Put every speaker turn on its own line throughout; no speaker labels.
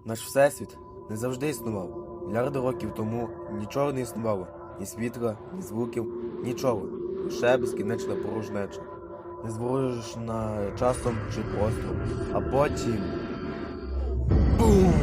Наш всесвіт не завжди існував. Мільярди років тому нічого не існувало. Ні світла, ні звуків, нічого. Лише безкінечна порожнеча. Незворожена часом чи простором. А потім... Бум!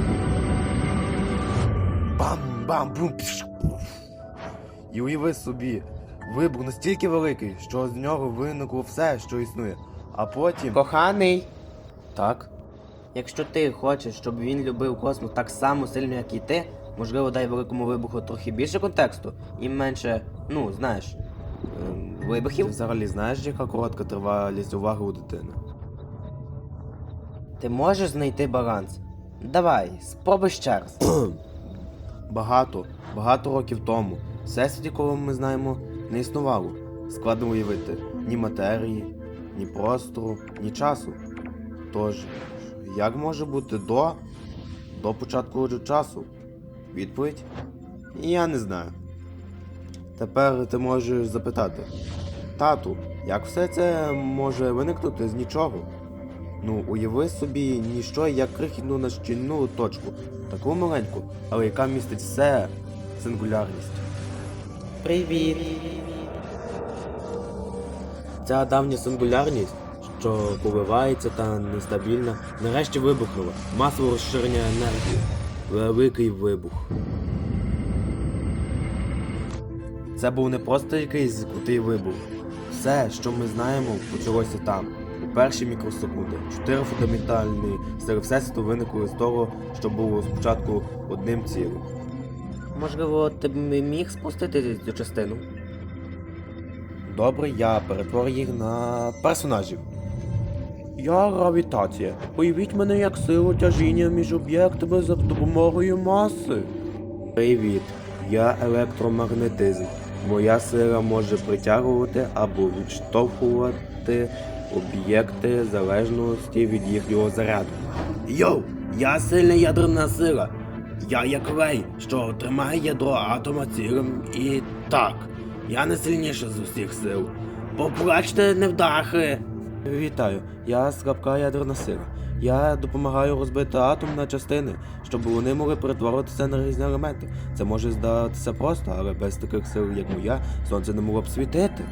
Бам-бам-бум! І уяви собі, вибух настільки великий, що з нього виникло все, що існує. А потім...
Коханий,
Так?
якщо ти хочеш, щоб він любив космос так само сильно, як і ти, можливо, дай великому вибуху трохи більше контексту і менше, знаєш,
Ти
вибухів.
взагалі знаєш, яка коротка тривалість уваги у дитини?
Ти можеш знайти баланс. Давай, спробуй ще раз.
Багато років тому всесвіт, якого ми знаємо, не існувало. Складно уявити ні матерії, ні простору, ні часу. Тож, як може бути до початку часу? Відповідь? Я не знаю. Тепер ти можеш запитати: тату, як все це може виникнути з нічого? Уяви собі ніщо, як крихітну нащільну точку, таку маленьку, але яка містить все, сингулярність.
Привіт.
Ця давня сингулярність, що коливається та нестабільна, нарешті вибухнула. Масове розширення енергії. Великий вибух. Це був не просто якийсь крутий вибух. Все, що ми знаємо, почалося там. У перші мікросекунди. 4 фундаментальні сили Всесвіту виникли з того, що було спочатку одним цілим.
Можливо, ти б міг спустити цю частину?
Добре, я перетворю їх на персонажів. Я гравітація. Уявіть мене як силу тяжіння між об'єктами за допомогою маси. Привіт, я електромагнетизм. Моя сила може притягувати або відштовхувати об'єкти в залежності від їхнього заряду. Йоу, я сильна ядерна сила. Я як лей, що тримає ядро атома цілим. І так, я найсильніша з усіх сил. Поплачте, невдахи! Вітаю, я слабка ядерна сила. Я допомагаю розбити атом на частини, щоб вони могли перетворитися на різні елементи. Це може здатися просто, але без таких сил, як моя, сонце не могло б світити.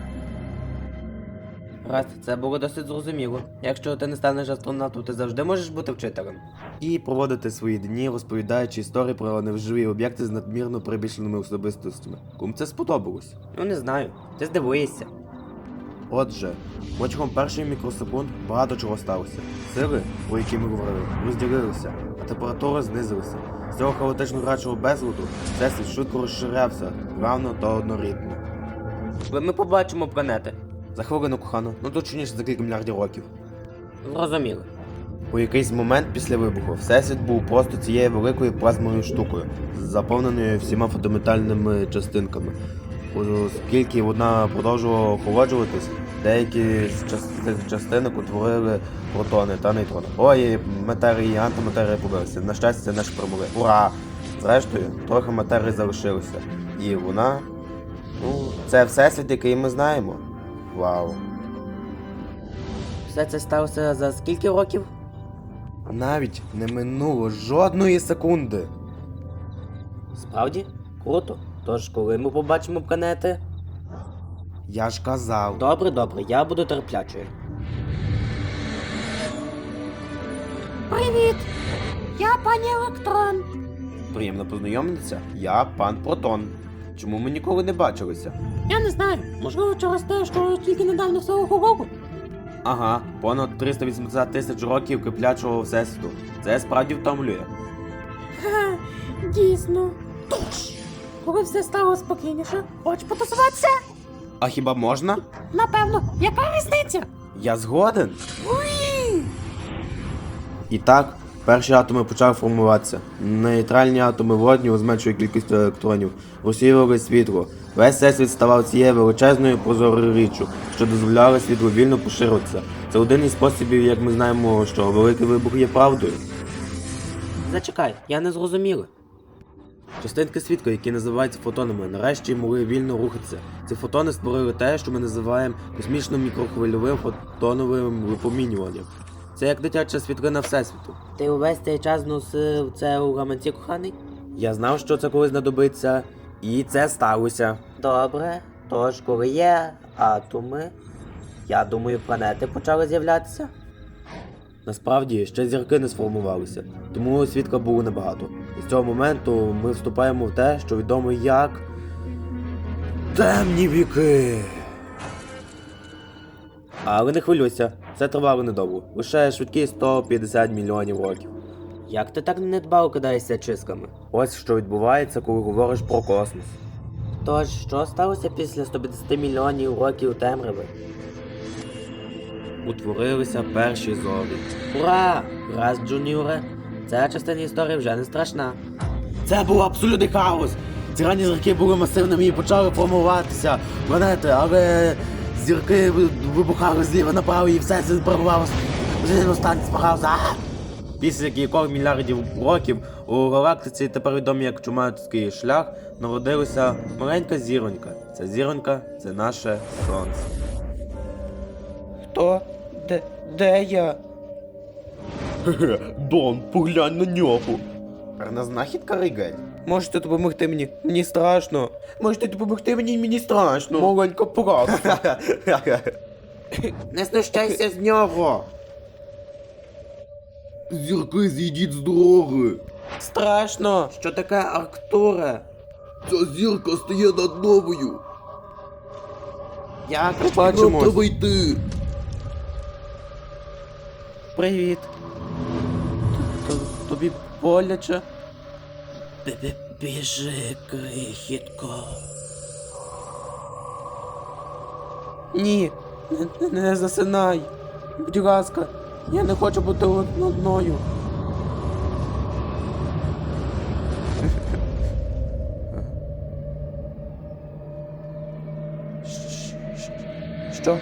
Раз, це було досить зрозуміло. Якщо ти не станеш астронавтом, ти завжди можеш бути вчителем.
І проводити свої дні, розповідаючи історії про невживі об'єкти з надмірно прибільшеними особистостями. Кому це сподобалось?
Не знаю, ти здивуєшся.
Отже, протягом перших мікросекунд багато чого сталося. Сили, про які ми говорили, розділилися, а температура знизилася. З цього хаотично грачого безладу всесвіт швидко розширявся, плавно та однорідно.
Коли ми побачимо планети.
За хвилину, кохано, точніше за кілька мільярдів років.
Зрозуміло.
У якийсь момент після вибуху всесвіт був просто цією великою плазмовою штукою, заповненою всіма фундаментальними частинками. Оскільки вона продовжувала охолоджуватись, деякі з цих частинок утворили протони та нейтрони. Ой, матерії і антиматерія побилися. На щастя, це наші промови. Ура! Зрештою, трохи матерії залишилося. І вона... це всесвіт, який ми знаємо. Вау.
Все це сталося за скільки років?
Навіть не минуло жодної секунди.
Справді? Круто. Тож, коли ми побачимо планети?
Я ж казав.
Добре, я буду терплячою.
Привіт! Я пані Електрон.
Приємно познайомитися. Я пан Протон. Чому ми ніколи не бачилися?
Я не знаю, можливо, через те, що тільки недавно все охололо.
Ага, понад 380 тисяч років киплячого всесвіту. Це справді втомлює.
Ха, дійсно. Тож, коли все стало спокійніше, хочеш потусуватися?
А хіба можна?
Напевно, яка різниця?
Я згоден. І так, перші атоми почали формуватися. Нейтральні атоми водню з меншою кількістю електронів розсіювали світло. Весь всесвіт ставав цією величезною прозорою річчю, що дозволяла світлу вільно поширитися. Це один із способів, як ми знаємо, що великий вибух є правдою.
Зачекай, я не зрозуміла.
Частинки світла, які називаються фотонами, нарешті могли вільно рухатися. Ці фотони створили те, що ми називаємо космічним мікрохвильовим фотоновим випромінюванням. Це як дитяча світлина Всесвіту.
Ти увесь цей час носив це у гаманці, коханий?
Я знав, що це колись знадобиться, і це сталося.
Добре. Тож, коли є атоми, я думаю, планети почали з'являтися.
Насправді, ще зірки не сформувалися, тому світла було небагато. І з цього моменту ми вступаємо в те, що відомо як темні віки. Але не хвилюйся, це тривало недовго. Лише швидкі 150 мільйонів років.
Як ти так недбало кидаєшся чисками?
Ось що відбувається, коли говориш про космос.
Тож, що сталося після 150 мільйонів років темряви?
Утворилися перші зорі.
Ура! Раз, Джуніоре, ця частина історії вже не страшна.
Це був абсолютний хаос. Ці ранні зірки були масивними і почали формуватися планети, але зірки вибухали зліва направо і все це перебувалося. Останній збирався. Після кількох мільярдів років у галактиці, тепер відомі як Чумацький шлях, народилася маленька зіронька. Ця зіронька – це наше сонце.
Хто? Де я?
Дон, поглянь на нього. Гарна знахідка, Ригель.
Можете допомогти мені? Мені страшно.
Можете допомогти мені, мені страшно. Маленька поразка.
Не знущайся з нього.
Зірки, зійдіть з дороги.
Страшно. Що таке Арктура?
Ця зірка стає над новою.
Як
Нам
побачимось?
треба йти.
Привіт. Тобі боляче? Біжи, крихітко. Ні, не засинай. Будь ласка, я не хочу бути одною. Що?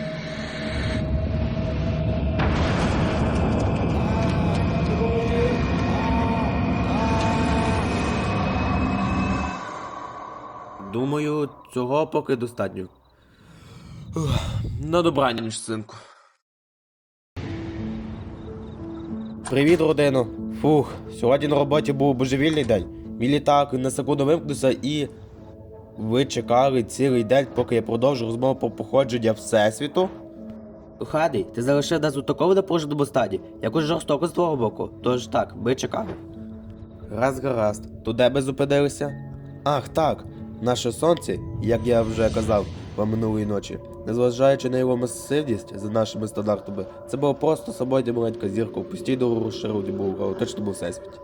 Думаю, цього поки достатньо. На добраніч, синку. Привіт, родино. Фух, сьогодні на роботі був божевільний день. Мій літак на секунду вимкнувся і... Ви чекали цілий день, поки я продовжу розмову про походження Всесвіту?
Хадий, ти залишив нас у такому напруженому стані, якось жорстоко з твого боку. Тож так, ми чекали.
Гаразд. То де ми зупинилися? Ах, так. Наше сонце, як я вже казав вам минулої ночі, незважаючи на його масивність за нашими стандартами, це була просто самотня маленька зірка в постійно розширеному галактичному всесвіті.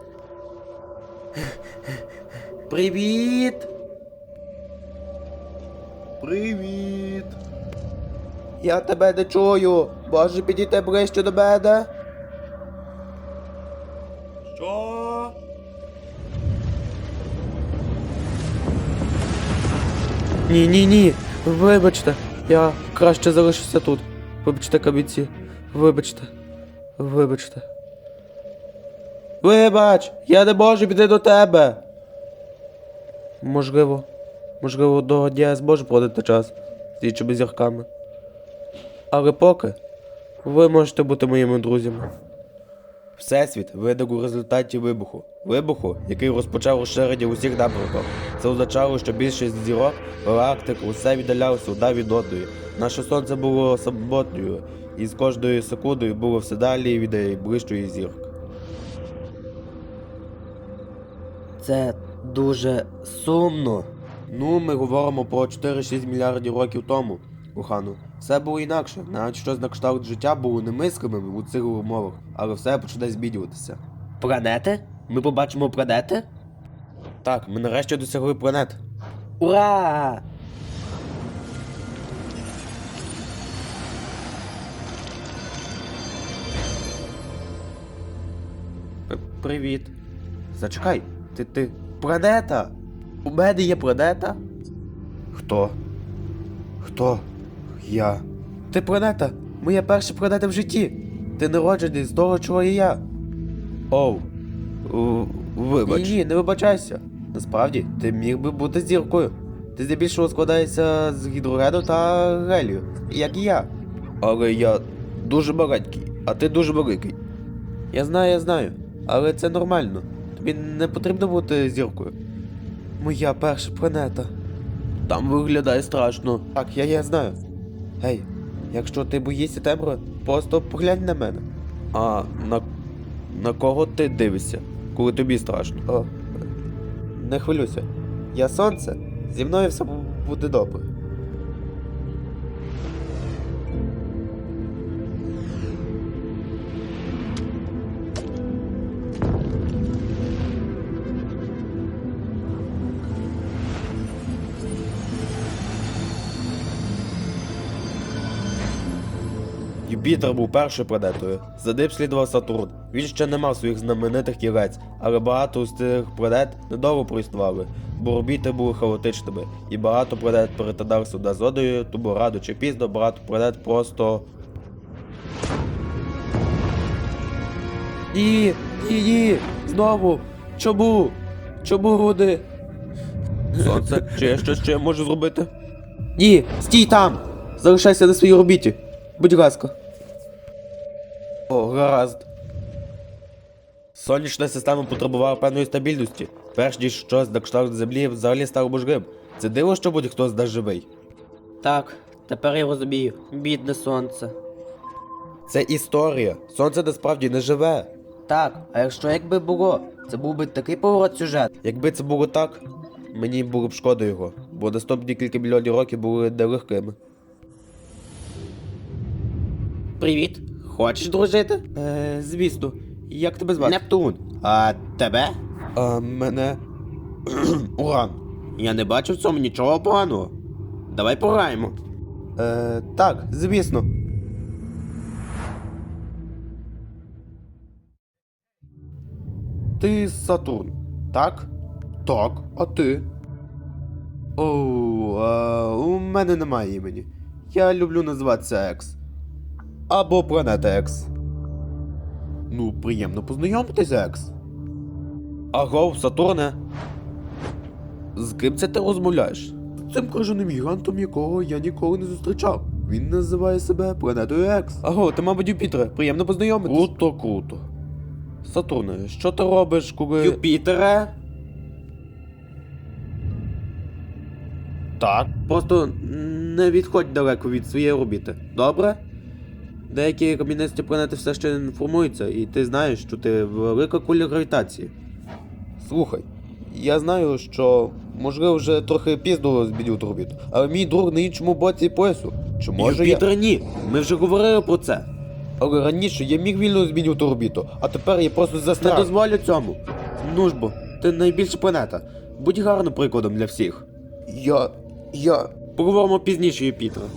Привіт!
Привіт! Я тебе не чую! Можеш підійти ближче до мене? Що?
Ні. Вибачте, я краще залишуся тут. Вибачте, кабіці. Вибачте.
Вибач! Я не можу піти до тебе!
Можливо, до дня я зможу проводити час з іншими зірками. Але поки ви можете бути моїми друзями.
Всесвіт виник у результаті вибуху. Вибуху, який розпочав розширення у всіх напрямках. Це означало, що більшість зірок, галактик, усе віддалялося одна від одної. Наше сонце було самотньою, і з кожною секундою було все далі від найближчої зірки.
Це дуже сумно.
Ну, ми говоримо про 4-6 мільярдів років тому, кохану. Все було інакше, навіть щось на кшталт життя було немислимим у цих умовах, але все почне змінюватися.
Планети? Ми побачимо планети?
Так, ми нарешті досягли планет.
Ура!
Привіт. Зачекай, ти планета? У мене є планета? Хто? Я. Ти планета? Моя перша планета в житті. Ти народжений з того, чого і я. Оу. Вибач. Ні, не вибачайся. Насправді, ти міг би бути зіркою. Ти здебільшого складаєшся з гідрогену та гелію, як і я. Але я дуже маленький, а ти дуже великий. Я знаю, але це нормально. Тобі не потрібно бути зіркою. Моя перша планета. Там виглядає страшно. Так, я знаю. Гей, якщо ти боїшся темряви, просто поглянь на мене. А на кого ти дивишся, коли тобі страшно? О, не хвилюйся. Я сонце, зі мною все буде добре. Юпітер був першою планетою. За ним слідував Сатурн. Він ще не мав своїх знаменитих кілець, але багато з цих планет недовго проіснували, бо орбіти були хаотичними, і багато планет перетиналися одна з одною, тому рано чи пізно багато планет просто... Ні, знову! Чому? Чому вони? Сонце, чи я щось ще можу зробити? Ні, стій там! Залишайся на своїй орбіті. Будь ласка. О, гаразд. Сонячна система потребувала певної стабільності, перш ніж щось на кшталт Землі взагалі стало можливим. Це диво, що будь-хто з нас живий.
Так, тепер я розумію. Бідне сонце.
Це історія. Сонце насправді не живе.
Так, а якби було, це був би такий поворот сюжету.
Якби це було так, мені було б шкода його, бо наступні кілька мільйонів років були нелегкими.
Привіт. Хочеш дружити?
Звісно. Як тебе звати?
Нептун. А тебе?
Мене... Уран.
Я не бачу в цьому нічого поганого. Давай пограємо.
Так, звісно. Ти Сатурн, так? Так, а ти? У мене немає імені. Я люблю називатися Екс. Або Планета Екс. Ну, приємно познайомитися, Екс. Агов, Сатурне. З ким це ти розмовляєш? З цим крижаним гігантом, якого я ніколи не зустрічав. Він називає себе Планетою Екс. Аго, ти, мабуть, Юпітере. Приємно познайомитись. Круто. Сатурне, що ти робиш, коли...
Юпітере?
Так. Просто не відходь далеко від своєї орбіти. Добре? Деякі кам'янисті планети все ще не формуються, і ти знаєш, що ти велика куля гравітації. Слухай, я знаю, що можливо вже трохи пізно змінювати орбіту, але мій друг на іншому боці поясу. Чи може
Юпітер, ні. Ми вже говорили про це.
Але раніше я міг вільно змінювати орбіту, а тепер я просто
Не
застряг.
дозволю цьому.
Ну ж бо, ти найбільша планета. Будь гарним прикладом для всіх. Я...
Поговоримо пізніше, Юпітера.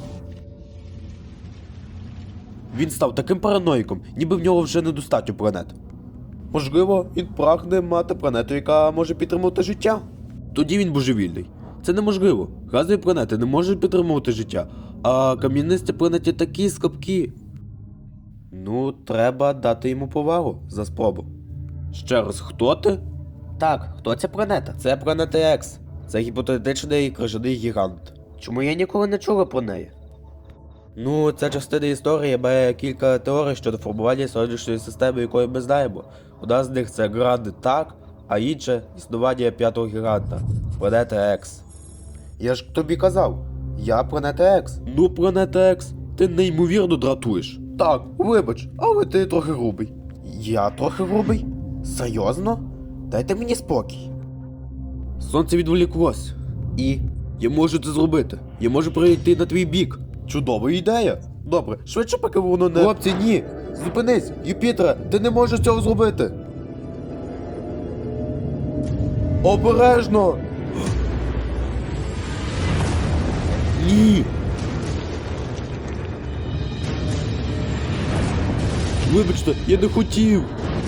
Він став таким параноїком, ніби в нього вже недостатньо планет. Можливо, він прагне мати планету, яка може підтримувати життя. Тоді він божевільний. Це неможливо. Газові планети не можуть підтримувати життя, а кам'янисті планеті такі слабкі. Ну, треба дати йому повагу за спробу. Ще раз, хто ти?
Так, хто ця планета?
Це планета Екс. Це гіпотетичний крижаний гігант.
Чому я ніколи не чула про неї?
Ну, ця частина історії має кілька теорій щодо формування сонячної системи, якої ми знаємо. Одна з них це Гранд Так, а інша – існування п'ятого гіганта – планета Екс. Я ж тобі казав, я планета Екс. Ну, планета Екс, ти неймовірно дратуєш. Так, вибач, але ти трохи грубий. Я трохи грубий? Серйозно? Дайте мені спокій. Сонце відволіклось. І? Я можу це зробити. Я можу перейти на твій бік. Чудова ідея. Добре, швидше поки воно не... Хлопці, ні! Зупинись! Юпітере, ти не можеш цього зробити! Обережно! Ні! Вибачте, я не хотів!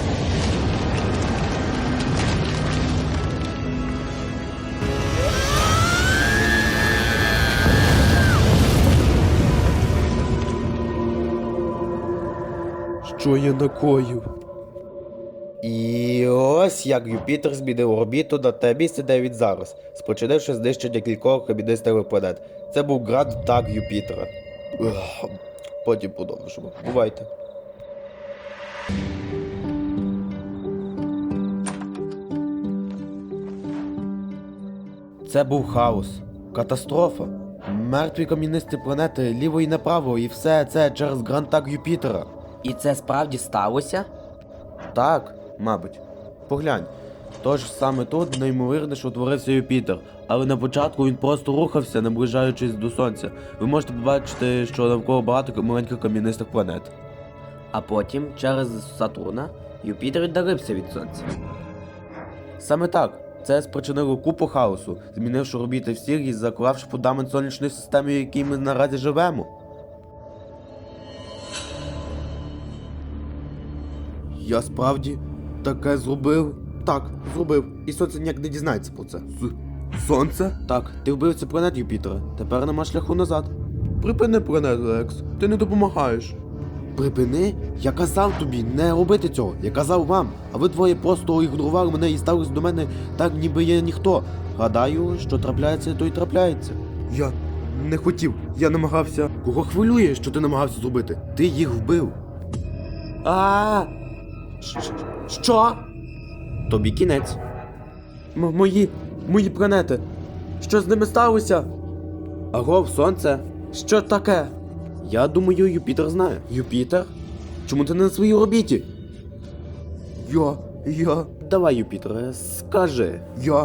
Що я накоїв? І ось як Юпітер змінив орбіту на те місце, де він зараз, спричинивши знищення кількох кам'янистих планет. Це був Гранд Так Юпітера. Потім продовжимо. Бувайте. Це був хаос. Катастрофа. Мертві кам'янисті планети ліво і направо, і все це через грантак Юпітера.
І це справді сталося?
Так, мабуть. Поглянь. Тож саме тут неймовірніше утворився Юпітер, але на початку він просто рухався, наближаючись до Сонця. Ви можете побачити, що навколо багато маленьких кам'янистих планет.
А потім, через Сатурна, Юпітер віддалився від Сонця.
Саме так. Це спричинило купу хаосу, змінивши орбіти всіх і заклавши фундамент сонячної системи, в якій ми наразі живемо. Я справді таке зробив? Так, зробив. І сонце ніяк не дізнається про це. Сонце? Так, ти вбив цю планету Юпітера. Тепер нема шляху назад. Припини планету, Екс. Ти не допомагаєш. Припини? Я казав тобі не робити цього. Я казав вам. А ви двоє просто ігнорували мене і ставились до мене так, ніби я ніхто. Гадаю, що трапляється, то й трапляється. Я не хотів. Я намагався. Кого хвилює, що ти намагався зробити? Ти їх вбив. А. Що? Тобі кінець. Мої планети. Що з ними сталося? Агов, сонце. Що таке? Я думаю, Юпітер знає. Юпітер? Чому ти не на своїй орбіті? Я... Давай, Юпітере, скажи.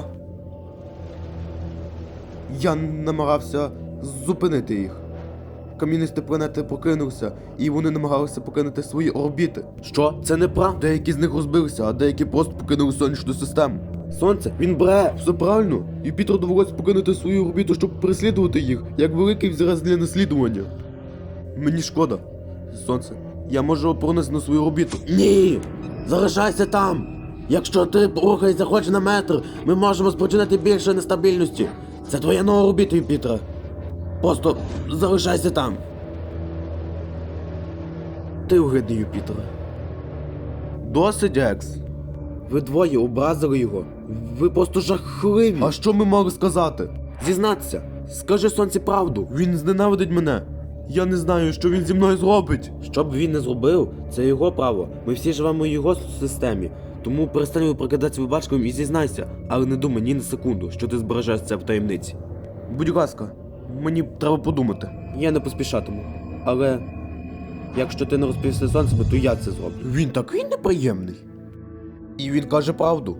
Я намагався зупинити їх. Кам'янисті планети прокинувся, і вони намагалися покинути свої орбіти. Що? Це неправда. Деякі з них розбилися, а деякі просто покинули сонячну систему. Сонце, він бре, все правильно. Юпітер довелося покинути свою орбіту, щоб переслідувати їх, як великий взірець для наслідування. Мені шкода. Сонце, я можу пронести на свою орбіту. Ні! Залишайся там! Якщо ти рухаєшся хоч на метр, ми можемо спричинити більше нестабільності. Це твоя нова орбіта, Юпітера. Просто залишайся там. Ти огидний, Юпітере. Досить, Екс. Ви двоє образили його. Ви просто жахливі. А що ми могли сказати? Зізнатися. Скажи сонці правду. Він зненавидить мене. Я не знаю, що він зі мною зробить. Що б він не зробив, це його право. Ми всі живемо в його системі. Тому перестань прикидатися вибачком і зізнайся. Але не думай ні на секунду, що ти збережеш це в таємниці. Будь ласка, мені треба подумати. Я не поспішатиму. Але якщо ти не розповісти сонцеві, то я це зроблю. Він такий неприємний. І він каже правду.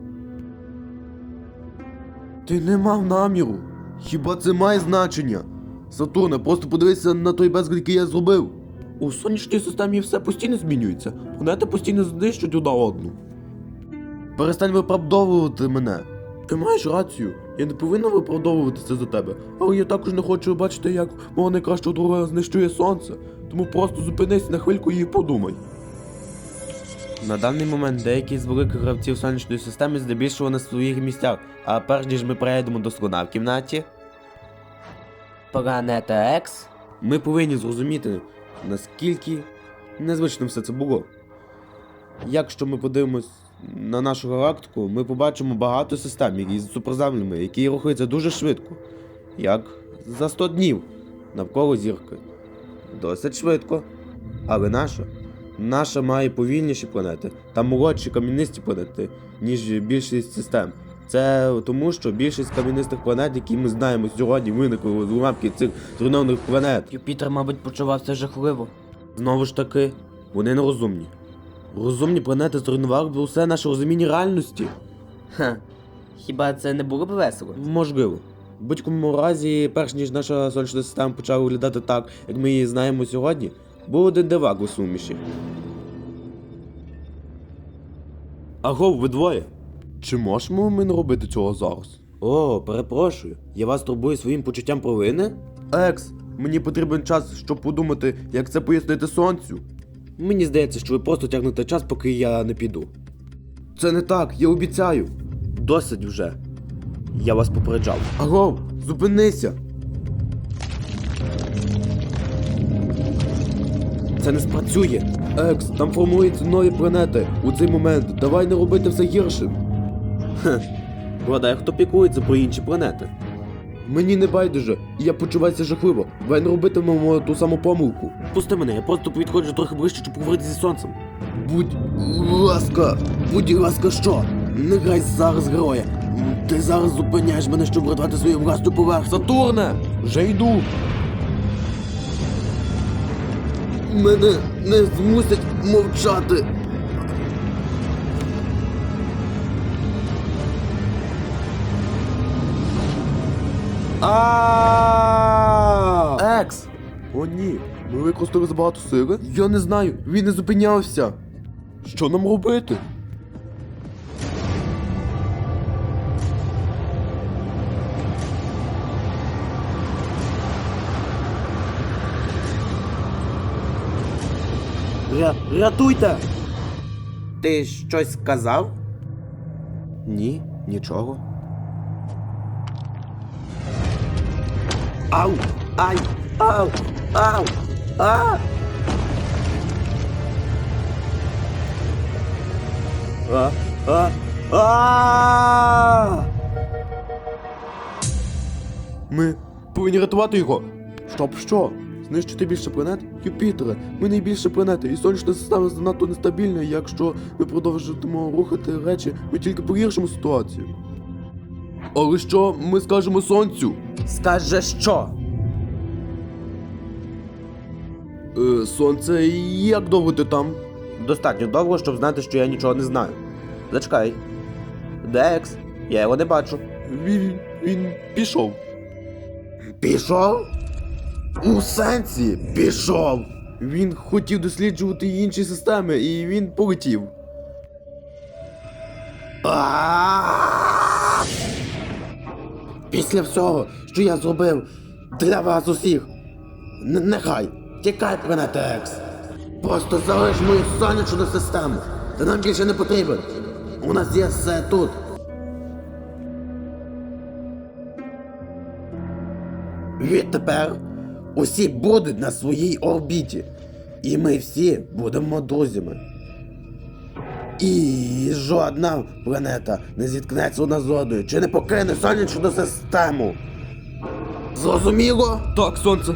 Ти не мав наміру. Хіба це має значення? Сатурне, просто подивися на той безлад, який я зробив. У сонячній системі все постійно змінюється. Планети постійно знищують одна одну. Перестань виправдовувати мене. Ти маєш рацію. Я не повинна виправдовуватися за тебе. Але я також не хочу бачити, як мого найкращого друга знищує сонце. Тому просто зупинись на хвильку і подумай. На даний момент деякі з великих гравців сонячної системи здебільшого на своїх місцях, а перш ніж ми перейдемо до слона в кімнаті,
Планета Екс?
ми повинні зрозуміти, наскільки незвичним все це було. Якщо ми подивимось на нашу галактику, ми побачимо багато систем із суперземлями, які рухаються дуже швидко, як за 100 днів навколо зірки. Досить швидко, але наша має повільніші планети та молодші кам'янисті планети, ніж більшість систем. Це тому, що більшість кам'янистих планет, які ми знаємо сьогодні, виникли з уламків цих зруйнованих планет.
Юпітер, мабуть, почувався жахливо.
Знову ж таки, вони нерозумні. Розумні планети зруйнували б усе наше розуміння реальності.
Ха. Хіба це не було б весело?
Можливо. В будь-якому разі, перш ніж наша сонячна система почала виглядати так, як ми її знаємо сьогодні, був один дивак у суміші. Агов, ви двоє. Чи можемо ми не робити цього зараз? О, перепрошую. Я вас турбую своїм почуттям провини? Екс, мені потрібен час, щоб подумати, як це пояснити сонцю. Мені здається, що ви просто тягнете час, поки я не піду. Це не так, я обіцяю. Досить вже. Я вас попереджав. Агов, зупинися! Це не спрацює. Екс, там формуються нові планети. У цей момент давай не робити все гіршим. Хе, гадаю, хто піклується про інші планети. Мені не байдуже, і я почуваюся жахливо. Давай не робитимемо ту саму помилку. Пусти мене, я просто підходжу трохи ближче, щоб поговорити зі сонцем. Будь ласка, що? Не грай зараз героя. Ти зараз зупиняєш мене, щоб врятувати свою власну поверхню. Сатурне! Вже йду. Мене не змусять мовчати. Екс! О ні, ми використали забагато сили? Я не знаю, він не зупинявся. Що нам робити? Рятуйте!
Ти щось сказав?
Ні, нічого.
Ау! Ай! Ау! Ау! А!
Ми повинні рятувати його. Щоб що? Знищити більше планет? Юпітере, ми найбільша планета, і сонячна система занадто нестабільна, і якщо ми продовжуємо рухати речі, ми тільки погіршимо ситуацію. Але що ми скажемо сонцю?
Скаже що?
Сонце, як довго ти там?
Достатньо довго, щоб знати, що я нічого не знаю. Зачекай. Де Екс? Я його не бачу.
Він пішов.
Пішов? У сенсі пішов.
Він хотів досліджувати інші системи, і він полетів.
Після всього, що я зробив для вас усіх, нехай, тікай, планета Екс. Просто залиш мою сонячну систему. Ти нам більше не потрібен. У нас є все тут. Відтепер усі будуть на своїй орбіті. І ми всі будемо друзями. І жодна планета не зіткнеться одна з одною, чи не покине сонячну систему. Зрозуміло?
Так, сонце.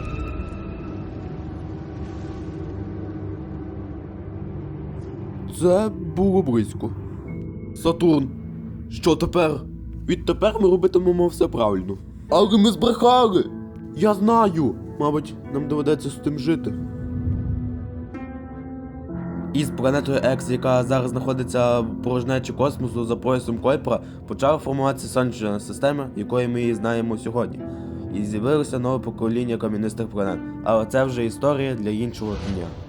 Це було близько. Сатурн, що тепер? Відтепер ми робитимемо все правильно. Але ми збрехали! Я знаю! Мабуть, нам доведеться з тим жити.
Із планетою Екс, яка зараз знаходиться в порожнечі космосу за поясом Койпера, почала формуватися сонячна система, якою ми її знаємо сьогодні. І з'явилося нове покоління кам'янистих планет. Але це вже історія для іншого дня.